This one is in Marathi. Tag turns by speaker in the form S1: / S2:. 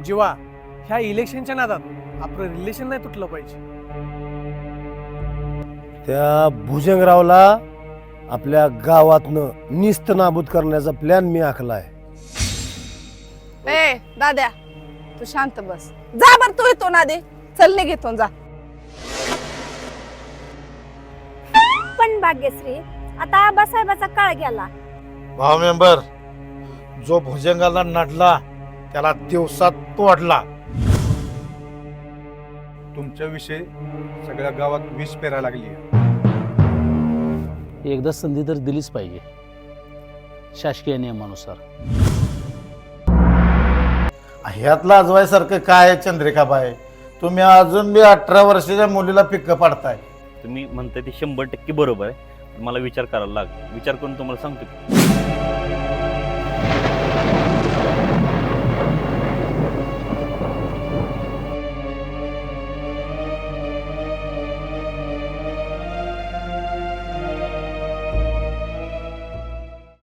S1: जीवा, ह्या इलेक्शनच्या नादात आपलं रिलेशन नाही तुटलं पाहिजे.
S2: त्या भुजंगरावला आपल्या गावातनं निस्त नाबूद करण्याचा प्लॅन मी आखलाय.
S3: ए दाद्या, तू शांत बस. जा बर तू येतो ना दे. चल निघेतून जा.
S4: पण भाग्यश्री, आता आबासाहेबाचा काळ गेला.
S5: भाऊ मेंबर, जो भुजंगाला नडला त्याला दिवसात तोडला.
S6: तुमच्याविषयी सगळ्या गावात विष पेरायला लागली.
S7: एकदा संधी तर दिलीच पाहिजे शासकीय नियमानुसार.
S5: ह्यात लाजवायसारखं काय आहे चंद्रिकाबाई? तुम्ही अजून बी 18 वर्षाच्या मुलीला पिक्क पाडताय.
S8: तुम्ही म्हणताय ते 100% बरोबर आहे. मला विचार करायला विचार करून तुम्हाला सांगतो.